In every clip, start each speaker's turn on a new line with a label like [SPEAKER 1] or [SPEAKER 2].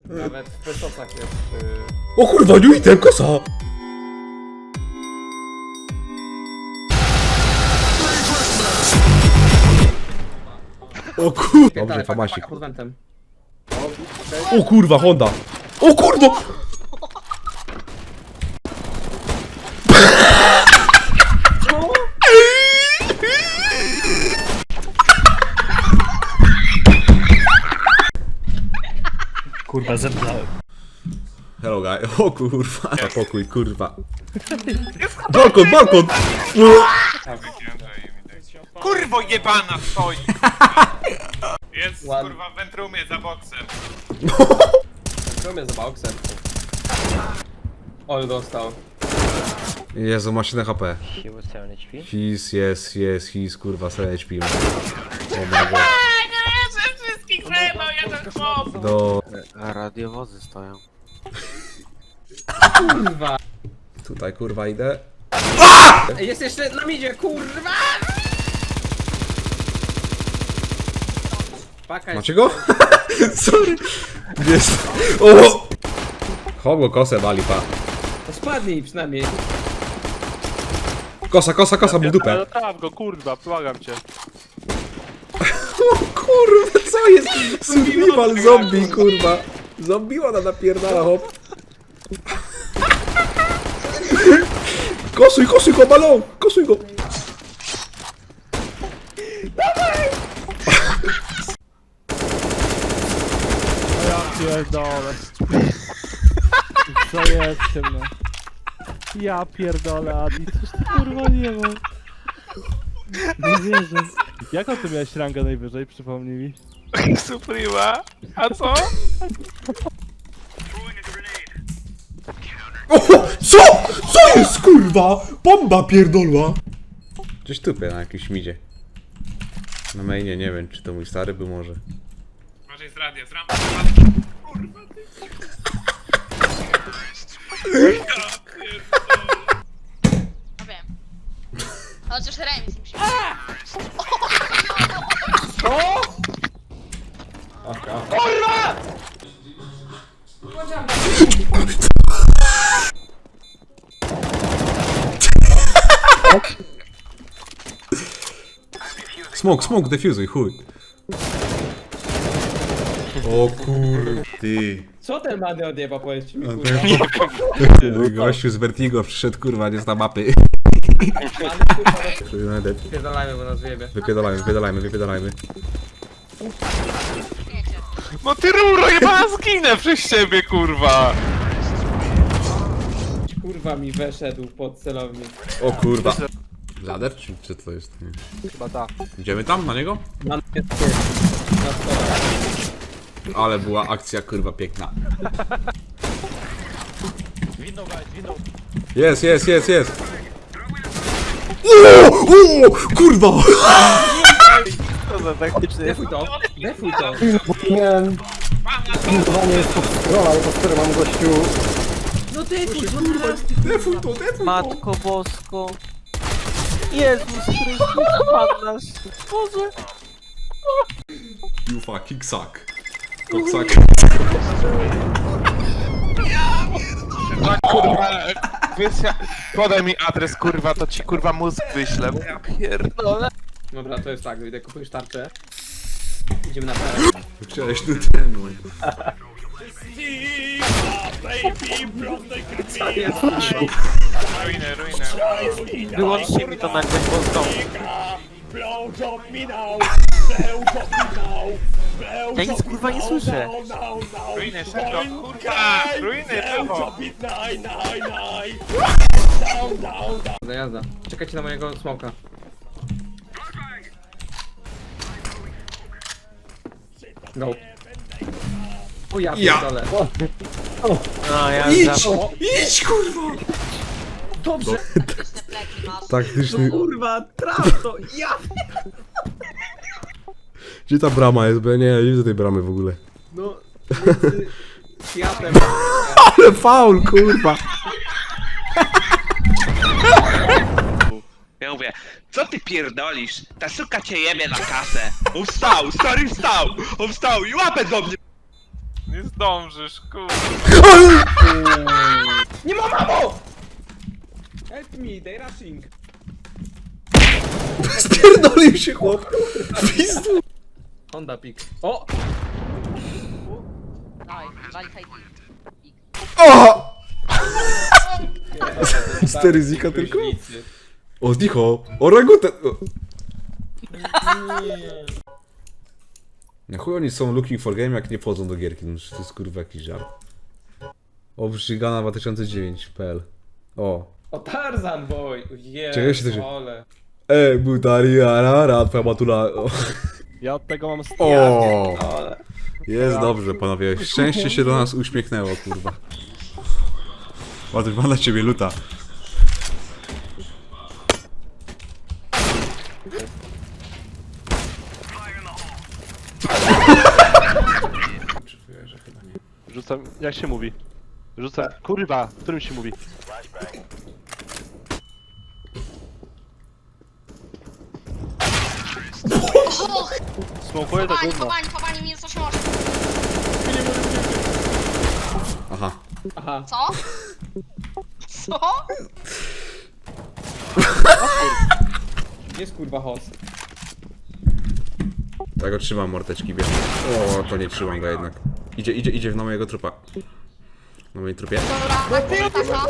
[SPEAKER 1] Nawet w pestosach jest...
[SPEAKER 2] O kurwa, nie idę, kosa! O kurwa, dobrze, famasik.
[SPEAKER 1] Pod wentem.
[SPEAKER 2] O kurwa, Honda! O kurwa!
[SPEAKER 3] Kurwa, zemdlałem.
[SPEAKER 2] Hello guy, o kurwa, pokój, kurwa. Balkon, balkon!
[SPEAKER 4] Kurwo jebana stoi! Jest
[SPEAKER 1] Ładnie.
[SPEAKER 4] kurwa w wentrumie za boksem.
[SPEAKER 1] Co mnie za boksem? Ol dostał.
[SPEAKER 2] Jezu, ma 7 HP.
[SPEAKER 3] He was 7 HP.
[SPEAKER 2] He's kurwa 7 HP. O my god.
[SPEAKER 4] Wszystkich zajebał jeden chłop!
[SPEAKER 2] Do...
[SPEAKER 5] A radiowozy stoją.
[SPEAKER 1] Kurwa!
[SPEAKER 2] Tutaj kurwa idę.
[SPEAKER 1] Jest jeszcze na midzie, kurwa! Paka jest...
[SPEAKER 2] Macie go? Sorry. Jest. O! Chogo kosę wali, pa.
[SPEAKER 1] To spadnij przynajmniej.
[SPEAKER 2] Kosa, kosa, kosa, mu w dupę.
[SPEAKER 6] Traf go, kurwa, błagam cię.
[SPEAKER 2] O kurwa, co jest? Survival zombie, kurwa. Zombie ona napierdala, hop. Kosuj, kosuj go, balon! Kosuj go!
[SPEAKER 6] Pierdolę. Zajedźcie mnie. Ja pierdolę, Adi, coś ty kurwa nie ma. Nie wierzę. Jaką ty miałeś rangę najwyżej, przypomnij mi?
[SPEAKER 4] Suprema? A co?
[SPEAKER 2] O, co? Co jest, kurwa? Bomba pierdolła! Gdzieś tupie na jakimś midzie. Na mainie, nie wiem, czy to mój stary był może.
[SPEAKER 4] Może jest radio, z rampy. Kurwa ty.
[SPEAKER 7] No wiem. Chociaż remis musi
[SPEAKER 2] Smoke, smoke, defuzuj, chuj. O kur... Ty.
[SPEAKER 1] Co ten Mady odjeba, powiedzcie mi,
[SPEAKER 2] No
[SPEAKER 1] kurwa?
[SPEAKER 2] Mój gościu z Vertigo przyszedł, kurwa, nie zna mapy.
[SPEAKER 1] Pierdolajmy, bo nas wyjebie.
[SPEAKER 2] Wypiedalajmy, wypiedalajmy, wypiedalajmy.
[SPEAKER 4] No ty ruro jebana zginę przez ciebie kurwa!
[SPEAKER 1] Kurwa mi weszedł pod celownik.
[SPEAKER 2] O kurwa. Lader, czy to jest? Nie.
[SPEAKER 6] Chyba tak.
[SPEAKER 2] Idziemy tam, na niego?
[SPEAKER 1] Mam jest na stole.
[SPEAKER 2] Ale była akcja, kurwa, piękna. Jest, jest, jest, jest. O, kurwa!
[SPEAKER 5] To za taktyczny jest.
[SPEAKER 1] Defuj to, defuj to.
[SPEAKER 3] Miałem pilnowanie jest pod scroll, ale pod który mam gościu...
[SPEAKER 1] No defuj, kurwa.
[SPEAKER 2] Defuj to, defuj to.
[SPEAKER 5] Matko Bosko. Jezus Chrystus, Pan nasz. Boże.
[SPEAKER 2] You fucking suck. Cocksuck.
[SPEAKER 4] Kurwa, wiesz, podaj mi adres kurwa, to ci kurwa mózg wyślę. Ja pierdolę.
[SPEAKER 1] Dobra, to jest tak, idę kupujesz tarczę. Idziemy na parę.
[SPEAKER 2] Cześć, tu ten.
[SPEAKER 4] Ruinę, ruinę.
[SPEAKER 5] Wyłączcie mi to nagle Polską. Ja nic kurwa nie słyszę.
[SPEAKER 4] Ruinę, szybko, kurwa! Ruinę, brawo!
[SPEAKER 1] Jazda, jazda. Czekajcie na mojego smoka. Go. O ja
[SPEAKER 2] Ja.
[SPEAKER 1] pierdolę.
[SPEAKER 5] No ja
[SPEAKER 2] Idź!
[SPEAKER 5] za...
[SPEAKER 2] Idź, kurwa!
[SPEAKER 1] Dobrze.
[SPEAKER 7] taktyczne pleki masz.
[SPEAKER 2] Taktyczny...
[SPEAKER 1] Kurwa, traf to, ja.
[SPEAKER 2] Gdzie ta brama jest? Bo ja nie widzę tej bramy w ogóle.
[SPEAKER 1] No, między światem.
[SPEAKER 2] Ale faul, kurwa!
[SPEAKER 8] Ja mówię, co ty pierdolisz? Ta suka cię jebie na kasę. On wstał, stary wstał! On wstał i łapę do mnie!
[SPEAKER 4] Nie zdążysz, kurwa.
[SPEAKER 1] Nie ma mamo! Help me, they rushing.
[SPEAKER 2] Spierdolił się chłop. Pizdu.
[SPEAKER 1] Honda pick. O!
[SPEAKER 7] Dawaj, wali high
[SPEAKER 2] O! 4 zika tylko? O, zdicho. Orangutan. Na chuj oni są looking for game, jak nie wchodzą do gierki. No, to jest kurwa jakiś żart. O, Brzygana 2009.pl. O.
[SPEAKER 1] O, Tarzan boy! Jezu,
[SPEAKER 2] Czego się to się-
[SPEAKER 1] ole.
[SPEAKER 2] Butari, arara, twoja matula. O.
[SPEAKER 6] Ja od tego mam
[SPEAKER 2] O.
[SPEAKER 1] Ole.
[SPEAKER 2] Jest dobrze, panowie. Szczęście się do nas uśmiechnęło, kurwa. Ładnie ma na ciebie luta.
[SPEAKER 1] Czuję, że chyba nie.
[SPEAKER 6] Rzucam, jak się mówi? Rzucam, kurwa, którym się mówi? Smokuję to
[SPEAKER 7] Chowani,
[SPEAKER 6] gówno.
[SPEAKER 7] chowani, minus 88.
[SPEAKER 2] Aha.
[SPEAKER 1] Aha.
[SPEAKER 7] Co? Co?
[SPEAKER 1] Jest kurwa host.
[SPEAKER 2] Tak go trzymam, mordeczki, wiem. O, to nie trzymam go jednak. Idzie na mojego trupa. Na mojej trupie.
[SPEAKER 7] Dobra, taka.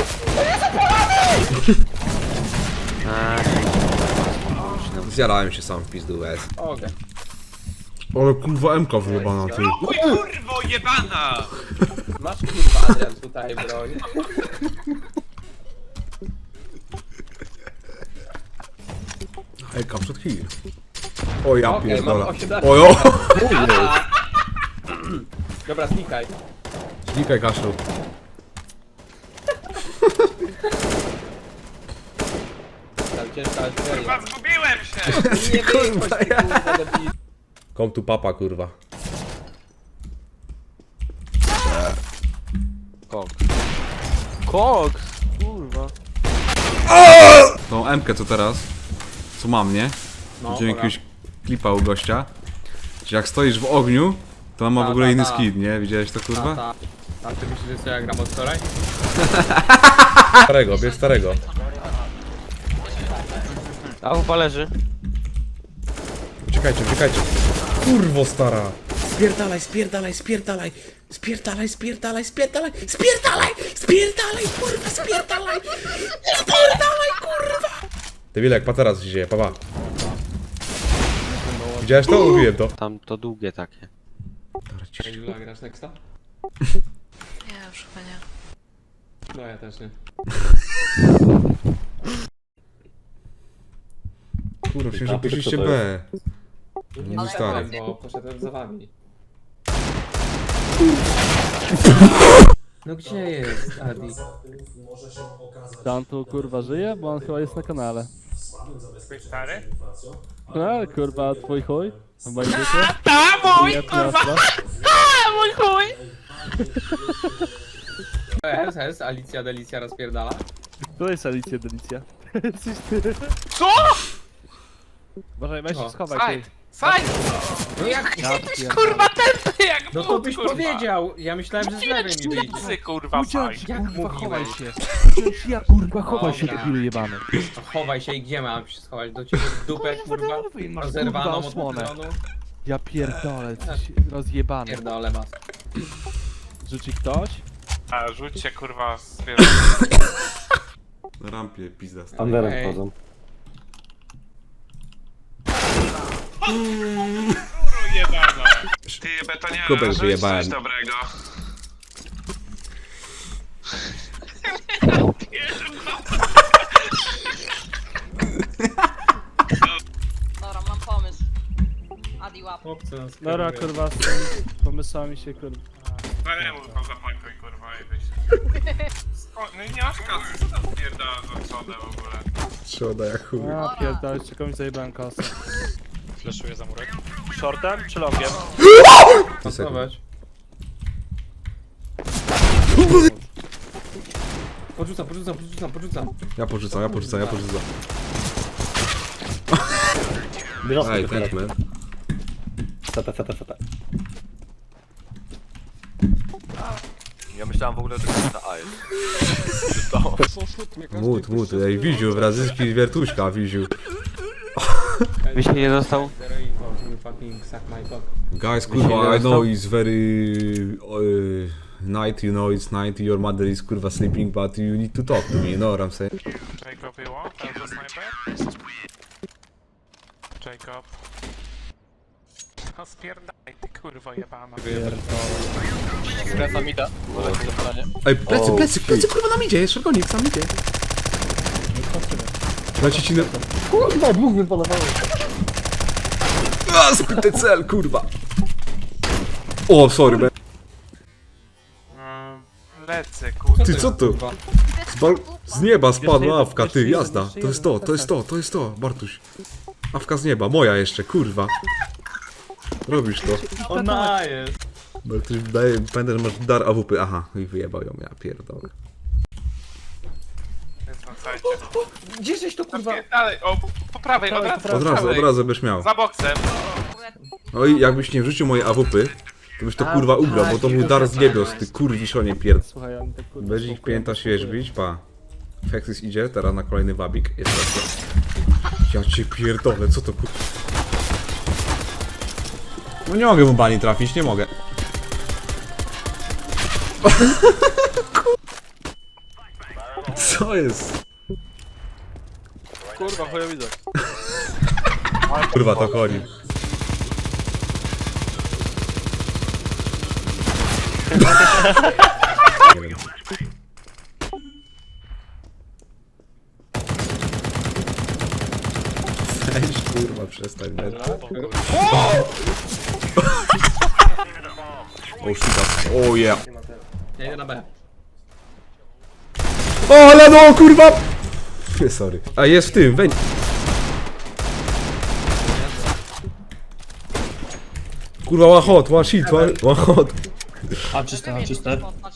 [SPEAKER 2] Zjarałem się sam w pizdu S.
[SPEAKER 1] Okej.
[SPEAKER 2] Ale kurwa MK wyjebana, ty.
[SPEAKER 8] Chuj, kurwo jebana!
[SPEAKER 1] Masz kurwa Adrian tutaj broń.
[SPEAKER 2] Hej, kapsut heal. O ja
[SPEAKER 1] Okej,
[SPEAKER 2] pierdolę.
[SPEAKER 1] mam 18.
[SPEAKER 2] Ojo!
[SPEAKER 1] Dobra, znikaj.
[SPEAKER 2] Znikaj, Kaszlu.
[SPEAKER 1] Tam ciężka artyleria.
[SPEAKER 8] Kurwa, zgubiłem się!
[SPEAKER 1] Nie wychodź, ty kurwa debil.
[SPEAKER 2] Come tu papa, kurwa.
[SPEAKER 5] Koks! Kurwa.
[SPEAKER 2] Tą MK co teraz? Co mam, nie?
[SPEAKER 1] No,
[SPEAKER 2] Widziałem
[SPEAKER 1] dobra.
[SPEAKER 2] jakiegoś klipa u gościa. Że jak stoisz w ogniu, to on ma w ogóle inny skin, nie? Widziałeś to, kurwa?
[SPEAKER 1] Ta. A ty myślisz, że co ja gram od wczoraj?
[SPEAKER 2] Starego, bierz starego.
[SPEAKER 5] A chyba leży.
[SPEAKER 2] Uciekajcie, uciekajcie. Kurwo stara. Spierdalaj, spierdalaj, spierdalaj. Spierdalaj, spierdalaj, spierdalaj. Spierdalaj, spierdalaj, kurwa, spierdalaj. Spierdalaj, kurwa. Debilek, patera co się dzieje, papa. Widziałeś to? Mówiłem to.
[SPEAKER 5] Tam to długie takie.
[SPEAKER 2] Dobra, cicho.
[SPEAKER 1] Jula, grasz nexta?
[SPEAKER 7] Nie, już chyba nie.
[SPEAKER 1] No ja też nie.
[SPEAKER 2] Kurwa, myślałem, że poszliście B.
[SPEAKER 1] Nie
[SPEAKER 2] No stary.
[SPEAKER 1] bo poszedłem za wami. No gdzie jest Adi?
[SPEAKER 6] Tam tu kurwa żyje, bo on chyba jest na kanale.
[SPEAKER 4] Twój stary?
[SPEAKER 6] No kurwa, twój chuj? Chyba idziecie?
[SPEAKER 8] Ta mój,
[SPEAKER 6] Kurwa!
[SPEAKER 8] mój chuj!
[SPEAKER 1] Hes, Alicja Delicja rozpierdala.
[SPEAKER 6] To jest Alicja Delicja. Jesteś ty.
[SPEAKER 4] Co?
[SPEAKER 6] Uważaj, weź się
[SPEAKER 1] O.
[SPEAKER 6] schowaj.
[SPEAKER 8] Side!
[SPEAKER 6] ty.
[SPEAKER 8] Side!
[SPEAKER 1] No jak?
[SPEAKER 6] Ja pierdolę.
[SPEAKER 8] Kurwa, tępy jak
[SPEAKER 1] No to
[SPEAKER 8] but,
[SPEAKER 1] byś
[SPEAKER 8] kurwa.
[SPEAKER 1] powiedział! Ja myślałem, że z lewej mi wyjdzie.
[SPEAKER 4] Psy, kurwa,
[SPEAKER 6] Uciąć,
[SPEAKER 4] side.
[SPEAKER 1] Jak
[SPEAKER 6] kurwa, chowaj
[SPEAKER 1] mówiłeś?
[SPEAKER 6] się. Uciąć, ja kurwa, chowaj się,
[SPEAKER 1] Dobra.
[SPEAKER 6] debilu jebany.
[SPEAKER 1] No chowaj się i gdzie mam się schować? Do ciebie w dupę, kurwa?
[SPEAKER 6] Masz
[SPEAKER 1] Rozerwaną
[SPEAKER 6] kurwa
[SPEAKER 1] od
[SPEAKER 6] osłonę.
[SPEAKER 1] patronu?
[SPEAKER 6] Ja pierdolę, coś rozjebany.
[SPEAKER 1] Pierdolę was.
[SPEAKER 6] Rzuci ktoś?
[SPEAKER 4] A, rzućcie, kurwa, zwierzę.
[SPEAKER 2] Na rampie, pizda.
[SPEAKER 3] Anderem
[SPEAKER 1] Ej.
[SPEAKER 3] wchodzą.
[SPEAKER 4] Jebana.
[SPEAKER 8] Ty, betoniara,
[SPEAKER 2] Kubek
[SPEAKER 8] rzuć
[SPEAKER 2] wyjebałem.
[SPEAKER 8] coś dobrego.
[SPEAKER 7] Dobra, mam pomysł. Adi łap.
[SPEAKER 1] Chłopcy nas
[SPEAKER 6] Dobra,
[SPEAKER 1] kierują.
[SPEAKER 6] kurwa, z tymi pomysłami się kurwa.
[SPEAKER 4] No nie mów, tam zapakuj, kurwa, i wyjść. No i nie masz kasy, co tam pierdala za przodę w ogóle?
[SPEAKER 2] Trzoda jak chuj.
[SPEAKER 6] Ja pierdolę, jeszcze komuś zajebałem kasę.
[SPEAKER 4] Fleszuję za murek.
[SPEAKER 6] Shortem czy longiem?
[SPEAKER 1] Pasować. Porzucam.
[SPEAKER 2] Ja porzucam.
[SPEAKER 3] Bierz
[SPEAKER 2] Ej, thanks man.
[SPEAKER 3] Seta. Ja myślałem w ogóle, że to jest A jest.
[SPEAKER 2] Mut, ej, Wiziu, brazylijski wiertuśka, Wiziu.
[SPEAKER 5] Mi się nie dostał.
[SPEAKER 1] Zero info, you fucking suck my cock.
[SPEAKER 2] Guys, kurwa, I know it's very night, you know it's night, your mother is kurwa sleeping, but you need to talk to me, you know what I'm saying?
[SPEAKER 4] Jacob, you want? As a sniper? Jacob. No spierdaj, ty kurwa jebana.
[SPEAKER 3] Skręcam mida. Uważajcie za podanie.
[SPEAKER 2] Ej, plecy, kurwa nam idzie, jest szargonik, sam idzie. Leci ci na...
[SPEAKER 3] Kurwa, dwóch wypalowało.
[SPEAKER 2] A, zbyty cel, kurwa. O, sorry, man.
[SPEAKER 4] Lecę, kurwa.
[SPEAKER 2] Ty, co to? Z nieba spadła awka, ty, jazda. To jest to, Bartuś. Awka z nieba, moja jeszcze, kurwa. Robisz to.
[SPEAKER 1] Ona jest.
[SPEAKER 2] Bartuś, daje, pamiętaj, że masz dar AWP. Aha, i wyjebał ją, ja pierdolę.
[SPEAKER 4] Jest na sajcie.
[SPEAKER 1] Gdzie żeś to kurwa?
[SPEAKER 4] Dalej, o, po prawej, od razu.
[SPEAKER 2] Od razu byś miał.
[SPEAKER 4] Za boksem.
[SPEAKER 2] No i jakbyś nie wrzucił mojej AWP, to byś to kurwa ugrał, bo to był dar z niebios, ty kurwiszonie pierd...
[SPEAKER 6] Słuchaj, on tak kurwa...
[SPEAKER 2] Będzie ich pięta świeżbić, pa. Fexis idzie, teraz na kolejny wabik. Ja cię pierdolę, co to kur... No nie mogę mu bani trafić, nie mogę. Co jest?
[SPEAKER 3] Kurwa, chujowidzę.
[SPEAKER 2] Kurwa, to chodzi. Nie wiem. Weź, kurwa, przestań. O, shit, o yeah.
[SPEAKER 1] Ja idę na B.
[SPEAKER 2] O, ale no, kurwa! Sorry. A jest w tym, weź. Kurwa, one hot, one shit, one hot.
[SPEAKER 7] A czyste.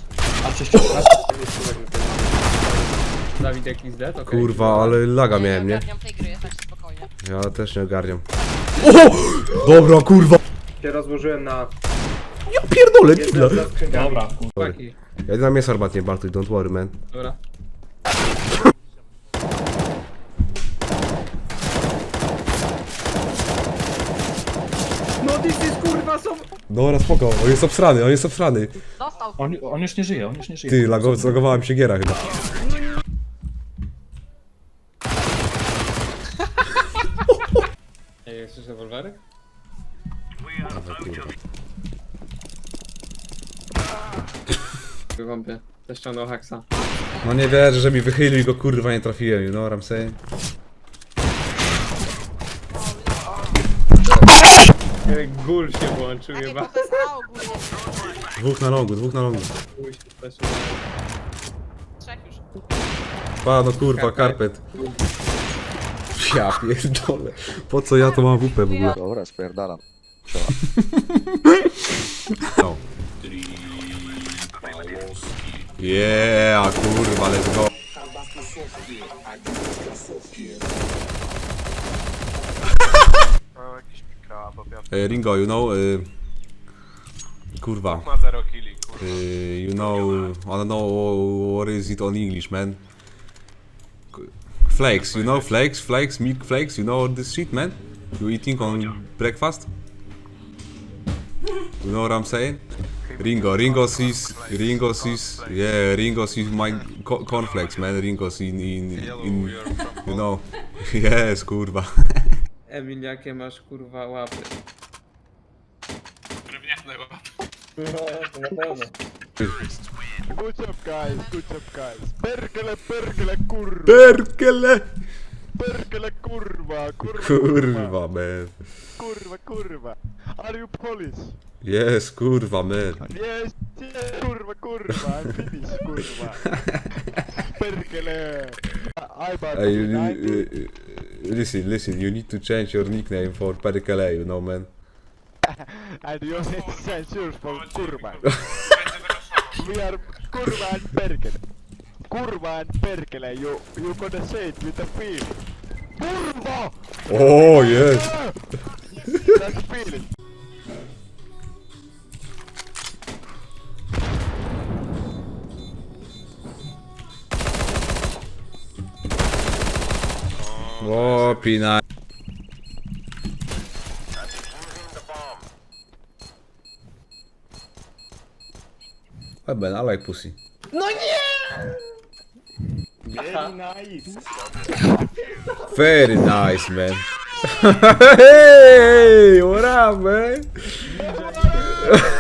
[SPEAKER 1] Dawid jakiś Z, okej.
[SPEAKER 2] Kurwa, ale laga miałem, nie?
[SPEAKER 7] Ogarniam tej gry, tak spokojnie.
[SPEAKER 2] Ja też nie ogarniam. O! Dobra, kurwa!
[SPEAKER 9] Się rozłożyłem na...
[SPEAKER 2] Ja pierdolę, killa!
[SPEAKER 9] Dobra.
[SPEAKER 1] Chłopaki.
[SPEAKER 2] Ja idę na mięso armatnie, Bartuś, don't worry, man.
[SPEAKER 1] Dobra. No this is kurwa są...
[SPEAKER 2] Dobra, spoko, on jest obsrany.
[SPEAKER 7] Dostał.
[SPEAKER 9] On już nie żyje,
[SPEAKER 2] Ty, zlogowałem się giera chyba.
[SPEAKER 1] Ej, jesteś rewolwery? Wywąpię. Też ściągnął haksa.
[SPEAKER 2] No nie wierzę, że mi wychylił i go kurwa nie trafiłem, you know what I'm saying?
[SPEAKER 1] Gul się włączył
[SPEAKER 7] Jakie
[SPEAKER 1] chyba.
[SPEAKER 7] to jest A ogólnie?
[SPEAKER 2] Dwóch na longu.
[SPEAKER 1] Gul się też.
[SPEAKER 7] Trzech już.
[SPEAKER 2] Pa, no kurwa, karpet. Ja pierdolę. Po co ja to mam WP w ogóle?
[SPEAKER 3] Dobra, spierdalam.
[SPEAKER 2] No. Yeah, kurwa, let's go.
[SPEAKER 4] O, jakiś mikro, bo ja
[SPEAKER 2] Ringo, you know, kurwa,
[SPEAKER 4] ma 0 killi, kurwa.
[SPEAKER 2] you know, I don't know what is it on English, man. Flakes, you know, flakes, milk flakes, you know this shit, man. You eating on breakfast? You know what I'm saying? Ringo sees my cornflakes, man. Ringo's in you know, yes, kurwa.
[SPEAKER 1] Emil, jakie masz kurwa łapy?
[SPEAKER 4] Drewniane łapy.
[SPEAKER 6] Good job guys. Perkele, kurwa.
[SPEAKER 2] Perkele!
[SPEAKER 6] Kurwa,
[SPEAKER 2] man.
[SPEAKER 6] Kurwa. Are you Polish?
[SPEAKER 2] Yes, kurwa, man.
[SPEAKER 6] Yes, kurwa. I'm Finnish, kurwa. Perkele.
[SPEAKER 2] Listen, you need to change your nickname for Perkele, you know, man.
[SPEAKER 6] And you need to change yours for kurwa.
[SPEAKER 4] Będę wyroszował.
[SPEAKER 6] We are kurwa and perkele. Kurwa and perkele. You gonna say it with a feel. Kurwa!
[SPEAKER 2] Oh, yes.
[SPEAKER 6] That's a feeling.
[SPEAKER 2] O, pina. Ben, I like pussy. Very nice, man. Hey, what up, man?